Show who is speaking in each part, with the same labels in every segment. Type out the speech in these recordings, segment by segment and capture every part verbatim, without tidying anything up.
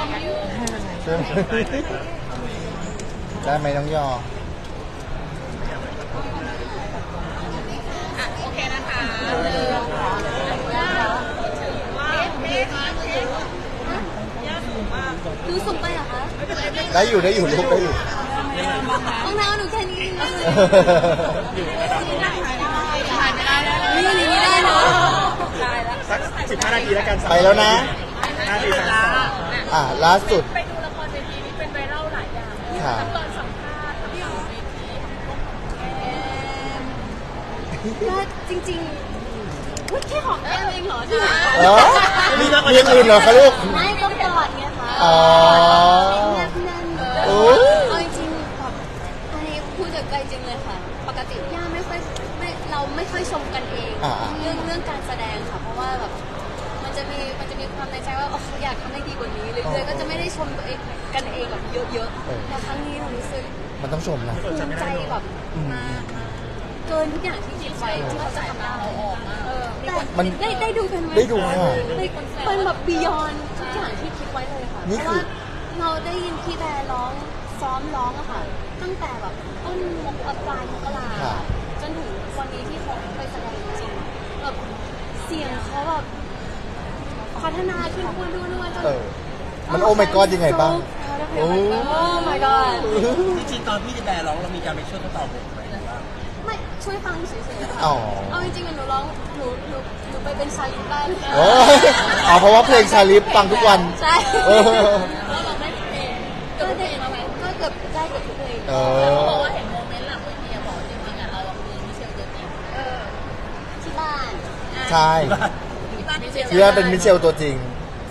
Speaker 1: ใช่ไหมได้ไหมน้องยอ
Speaker 2: โอเคนะคะ
Speaker 3: ดูสูงไปเหรอคะ
Speaker 1: ได้อยู่ได้อยู่ลูกได้อยู่
Speaker 3: รองเท้าหนูแค่นี้เลยนี่
Speaker 2: ได้
Speaker 3: นี่ได้เนาะ
Speaker 4: สักสิบห้านาทีแล้วกัน
Speaker 1: ไปแล้วนะ
Speaker 4: ห้านาทีสามสอง
Speaker 1: อ่ะล่าสุด
Speaker 2: ไปดูละครเวทีนี้เป็นไวรัลหลายอย่างทั้งตอนสัมภาษณ์ทั้งตอนเวที
Speaker 3: ก็จริงๆอุ๊ยแค่หอมแก้มเองเหรอ
Speaker 1: เออมีมีอย่างอื่นเหรอคะลูก
Speaker 3: ไม่ต้องกอดไงคะ
Speaker 1: อ๋อ
Speaker 3: แนบแน่น
Speaker 1: โอ้ย
Speaker 3: เอาจริงๆแบบอันนี้พูดจากใจจริงเลยค่ะปกติย่าไม่ค่อยไม่เราไม่ค่อยชมกันเองเรื่องเรื่องการแสดงค่ะเพราะว่าแบบมันจะมีมันจะมีความในใจว่าอยากทำให้ดีกว่านี้เรื่อยๆก็จะไม่ได้ชมตัวเองกันเองแบบเยอะๆแต่ครั้งนี้เรารู้สึก
Speaker 1: มันต้องชมนะ
Speaker 3: ภูมิใจแบบมากเกินทุกอย่างที่คิดไว้ที่เขาจะทำได้แต่ได้ได้ดูกันไหม
Speaker 1: ได้ดูค่ะ
Speaker 3: เป็นแบบบียอนทุกอย่างที่คิดไว้เลยค่ะเพราะว่าเราได้ยินพี่แบร์ร้องซ้อมร้องอะค่ะตั้งแต่แบบต้นมกปลายมกราจนถึงวันนี้ที่เขาไปแสดงจริงๆแบบเสียงเขาแบบพัฒนาขึ้นพูดด้วยด้วยจน
Speaker 1: เออมันโอ้ my god ยังไงบ้างโอ้
Speaker 3: my god
Speaker 4: จริงๆตอนพี่แบร์ร้องเรามีการไปช่วยเขาตอบบทไหม
Speaker 3: ไม่ช่วยฟังเฉยๆค่ะ
Speaker 1: อ๋อ
Speaker 3: เอาจริงๆหนูร้องหนูหนูหนูไปเป็นชาลิปได้เลย
Speaker 1: โอ้อ๋อเพราะว่าเพลงชาลิฟฟังทุกวัน
Speaker 3: ใช่
Speaker 1: เออ
Speaker 2: แล้วเราได้เพลง
Speaker 3: ก็ได้ก็เกือบได้เกือบทุกเพลง
Speaker 1: เอ
Speaker 2: เขา
Speaker 1: อ
Speaker 2: บอกว่าเห็นโมเมนต์หลังเวทีบอกจริงๆอ่ะเราคือมิเชลเจอจริงเออ
Speaker 3: ที่บ้าน
Speaker 1: ใช่
Speaker 2: ที่บ้านมิเชล
Speaker 1: ที่ว่าเป็นมิเชลตัวจริง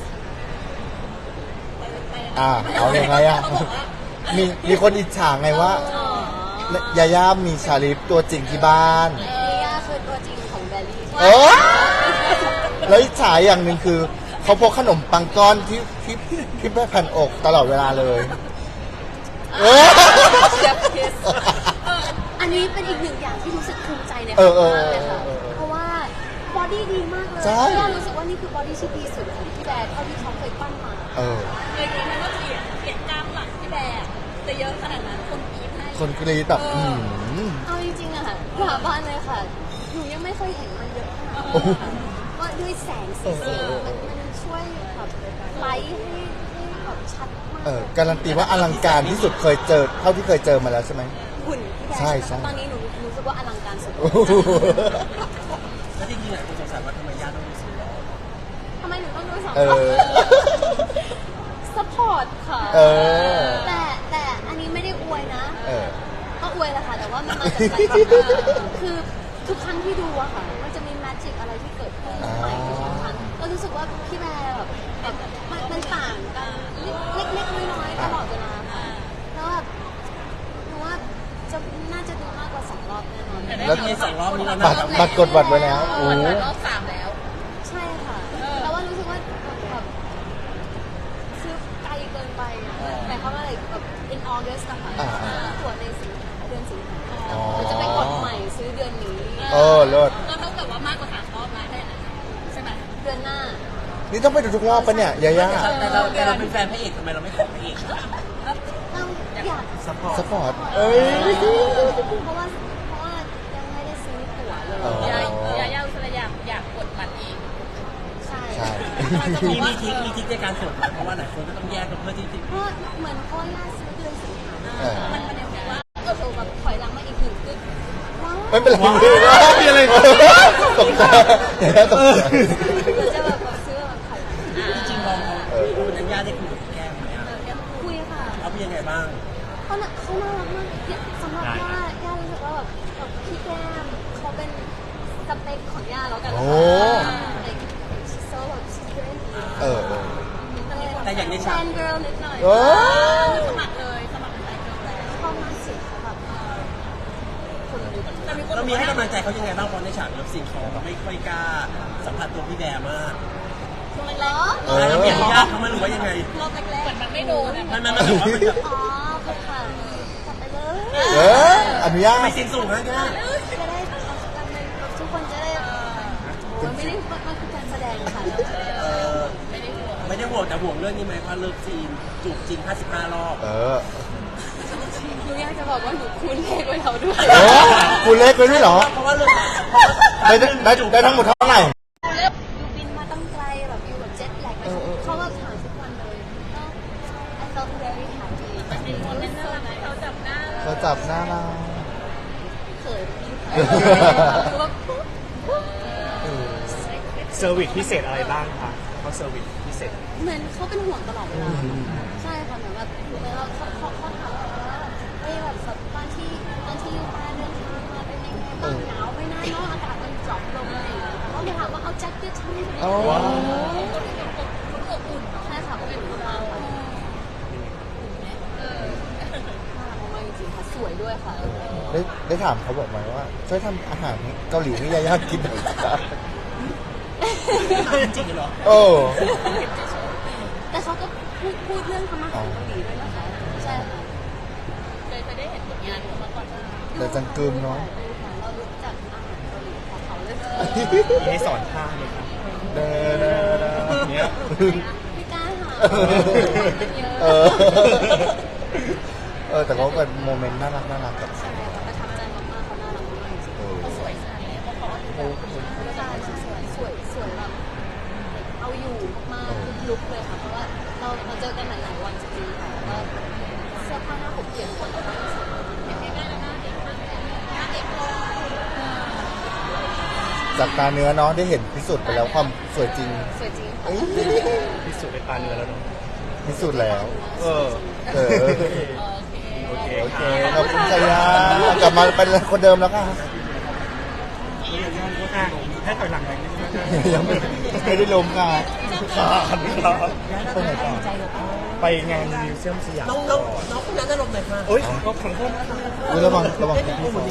Speaker 1: อ่าเอาอย่างไรอ่ะมีมีคนอิจฉาไงว่า
Speaker 3: อ๋อย
Speaker 1: าย่ามีชาลิฟตัวจริงที่บ้าน
Speaker 3: นี่ย่าคือตัวจริงของแบลลี่
Speaker 1: เออแล้วอิจฉาอย่างหนึ่งคือเขาพกขนมปังก้อนที่ที่ที่แม่แผ่นอกตลอดเวลาเลยเออ
Speaker 3: เชฟคิสอันนี้เป็นอีกหนึ่งอย่างที่รู้สึกภูมิใจใน
Speaker 1: เอ
Speaker 3: เขา
Speaker 1: อเออ
Speaker 3: มากเลยค่ะ
Speaker 1: เออเออ
Speaker 3: เพราะว่าบอดี้ดีมากเลย
Speaker 1: ใช่
Speaker 3: ย่ารู้สึกว่านี่คือบอดี้ที่ดีสุดของพี่แบร์เท่าที่เขาเคยปั้นมา
Speaker 1: เออ
Speaker 2: เลยคิดไหมว่าเปลี่ยนเปลี่ยนกล้ามหลังที่แบร์จะเยอะขนาดนั้นคนกรี๊ดให้
Speaker 1: คนกรีดแบบอืม
Speaker 3: เอาจริงๆอะค่ะสาบานเลยค่ะ หนูยังไม่เคยเห็นมันเยอะขนาด
Speaker 1: โอ้โห
Speaker 3: นี้ว่าด้วยแสงสีเสียงมันมันช่วยแบบไลท์ให้ให้แบบชัดมาก
Speaker 1: เออการันตีว่าอลังการที่สุดเคยเจอเท่าที่เคยเจอมาแล้วใช่ไหม
Speaker 3: หุ่นพี่แบร์
Speaker 1: ใช่ใช่
Speaker 3: ตอนนี้หนูรู้สึกว่าอลังการสุด
Speaker 1: โอ้โห
Speaker 4: แล้วจริงๆหลายคนสงสัยว่าทำไมย่าต้องมีสีล้อ
Speaker 3: ทำไมหนูต้องดูสอง
Speaker 1: เออ
Speaker 3: สปอร์ตค่ะ
Speaker 1: เออ
Speaker 3: แต่แต่อันนี้ไม่ได้อวยนะ
Speaker 1: เออ
Speaker 3: ก็อวยแหละค่ะ แต่ว่ามันมาจากใจจริงคือทุกครั้งที่ดูอะค่ะ มันจะมีแมจิกอะไรที่เกิดขึ้นใหม่ทุกครั้งก็รู้สึกว่าพี่แบร์แบบแบบมันมันต่างกันเล็กๆน้อยๆตลอดเวลาค่ะแล้วแบบหนูว่าจะน่าจะดูมากกว่าสองรอบแน่นอน
Speaker 1: แล้ว
Speaker 4: มีสองรอบนี้แล้ว
Speaker 1: บั
Speaker 4: นะ
Speaker 1: ตรบัตรกดบัตรไว้แล้วโอ้
Speaker 2: รอบสามแล้ว
Speaker 3: ใช่ค่ะแต่ว่ารู้สึกว่าแบบซื้อไกลเกินไปอะแต่เขาว่าอะไรแบบ in August อะค่ะตั๋วในสิงเดือนสิงหาเราจะไปกดใหม่ซื้อเดือนนี้
Speaker 1: เออเลิศ
Speaker 2: ก็เท่ากับว่ามากกว่าสามรอบแล้วใช่ไหม
Speaker 3: เดือนหน้า
Speaker 1: นี่ต้องไปดูทุกรอบปะเนี่ยยาย่า
Speaker 4: แต่เราแต่เราเป็นแฟนพระเอกทำไมเราไม่ขอพระเอก
Speaker 3: เราอยาก
Speaker 4: ซัพพอร์ต
Speaker 1: สปอร์ตเอ้ย
Speaker 3: เพราะว่าเพราะว่ายังไม่ได้ซื้อตั๋วเลย
Speaker 1: อ๋อ
Speaker 2: ยายยายาอุสระอยากอยากกดบัตรเอง
Speaker 3: ใช่
Speaker 1: ใช่
Speaker 4: มีมีทิกมีทิกในการกดไหมเพราะว่าหลายคนก็ต้องแยกกันเพื่อที่จะ
Speaker 3: เพราะเหมือนพ่อย่าซื้อเดือนสิงหา
Speaker 1: เออ
Speaker 3: มันมันยังบอกว่าเออแบบถอยหลังมาอีกหนึ่งคือว้าว
Speaker 1: ไม่เป็นไรมีอะไรตกใจยาย่าตกใจ
Speaker 3: หรือจะแบบซื้อแบบถอยหลัง
Speaker 4: จริงๆลองคุณยังย่าได้คุยกับแก้มไหมอ่ะ
Speaker 3: คุยค่ะ
Speaker 4: เขาเป็นยังไงบ้าง
Speaker 3: เขาน่ะเขาน่ารักมากเนี่ยสำหรับย่าย่ารู้สึกว่าแบบแบบพี่แก้มเขาเป็นสเปคของย่าแล้วกัน
Speaker 1: โอ้
Speaker 3: like she's so like she's very
Speaker 1: เออเออ
Speaker 4: แต่อย่างใน
Speaker 3: แฟ
Speaker 4: ฉาก
Speaker 3: นเกิร์ลนิดหน่อย
Speaker 1: เออ
Speaker 2: สมัครเลยสมัครเป็นไอดอลแล้ว
Speaker 3: ชอบมากเสียงเขาแบบคนลุก
Speaker 2: แต่มีคน
Speaker 4: เรามีให้กำลังใจเขายังไงบ้างเพราะในฉากเลิฟซีนเขาไม่ค่อยกล้าสัมผัสตัวพี่แบร์มาก
Speaker 3: ช่วงแรก
Speaker 1: เออ
Speaker 4: เราเปลี่ยนญาติเขามาหรือว่ายังไง
Speaker 3: รอบแรก
Speaker 2: เหมือนมันไม่โดนอะ
Speaker 4: มันมันมันแบบว่ามันแบบ
Speaker 3: ๆอ๋อคือค่ะกลับไปเลย
Speaker 1: เอออนุญาต
Speaker 4: ไม่เซ็นสูงนะย่า
Speaker 3: จะได้ทุกคนจะได้มันไม่ได้มันคือการแสดงค่ะ
Speaker 4: เออไม่ได้ยังห่วงแต่ห่วงเรื่องนี้ไหมว่าเลิฟซีนจูบจริงห้าสิบห้ารอบ
Speaker 1: เออ
Speaker 3: หนูอยากจะบอกว่าหนูคูณเลขไว้แล้วด้วย
Speaker 1: โอ้คุณเล็กไปด้วยเหรอ
Speaker 4: เพราะว่าเรื่องเพราะว่า
Speaker 1: ได้ได้ได้ทั้งหมดเท่าไหร่
Speaker 3: เลือกยูบินมาตั้งไกลแบบอยู่แบบเจ็ตแลกไปเขาก็ถามทุกวันเลยก็ I felt very happy
Speaker 2: เป็นคนเล่นน่ารักไหมเขาจับหน้า
Speaker 1: เขาจับหน้าเรา
Speaker 3: เขินพี่
Speaker 1: เออ
Speaker 3: คือว่า
Speaker 5: เซอร์วิสพิเศษอะไรบ้างคะเขาเซอร์วิสพิเศษ
Speaker 3: เหมือนเขาเป็นห่วงตลอดเวลาใช่ค่ะเหมือนแบบเหมือนเราเขาเขาเขาถามเราว่าเฮ้ยแบบแบบตอนที่ตอนที่ยูมาเดินทางมาเป็นยังไงบ้างหนาวไหมนะเนาะอากาศมันดรอปลงอะไรอย่างเงี้ยเขาเลยถามว่าเอาแจ็คเก็ตทำไม
Speaker 1: โอ้
Speaker 3: อบอุ่นใช่ค่ะก็เป็นของเราค่ะน่ารักมากจริงๆค่ะสวยด้วยค่ะ
Speaker 1: ได้ได้ถามเขาบอกไหมว่าช่วยทำอาหารเกาหลีให้ยายากินหน่อยจ้ะ
Speaker 4: จริงเหรอ
Speaker 1: โอ้
Speaker 3: แต่เขาก็พูดพูดเรื่องทำอาหารเกาหลีด้วยนะคะใช่ค่ะ
Speaker 2: เคยจะได้เห็นผลงานของเขาก่อน
Speaker 1: แต่จังกึมเนาะ
Speaker 3: เรารู้จักอาหารเกาหลีของเขาเลย
Speaker 5: มีให้สอนท่าไหมครับ
Speaker 1: เด้อเด้อเด้อ
Speaker 5: เนี้ย
Speaker 3: ไม่กล้าหา
Speaker 1: เออ เออ แต่เขาเป็นโมเมนต์น่ารักน่ารักกับ
Speaker 3: ใช่ค่ะประทับใจมากๆเขาน่ารักมากจริง
Speaker 1: เออ
Speaker 2: เขาสวยขนาดนี้เพราะเขา
Speaker 1: โอ้
Speaker 3: ๆใช่สวยสวยสวยแบบเอาอยู่มากๆทุกลุกเลยค่ะเพราะว่าเราเราเจอกันหลายๆวันจริงๆค่ะแล้วเสื้อผ้าหน้าผมเปลี่ยนคนละบ้าง
Speaker 1: จากตาเนื้อเนาะได้เห็นพิสูจน์ไปแล้วความสวยจริง
Speaker 3: สวยจริง
Speaker 1: เอ้ย
Speaker 5: พิสูจน์ในตาเนื้อแล้วเนาะ
Speaker 1: พิสูจน์แล้ว
Speaker 5: เออ
Speaker 1: เออ
Speaker 5: โอเค
Speaker 1: โอเค
Speaker 5: ค่ะ
Speaker 1: ขอบคุณชายากลับมาเป็นคนเดิมแล้วค่ะ
Speaker 5: ให้ถอยหลังไปนิดนึง
Speaker 1: ยังไม่ไม่ได้ลมค่ะ
Speaker 5: ไปไหนต่อไปงานมิวเซียมสยาม
Speaker 4: น้องน้องน้องคนนั้นอารมณ์ไหนคะ
Speaker 5: โอ๊ยก็ขอโทษนะคะ
Speaker 1: อุ๊ยระวังระวัง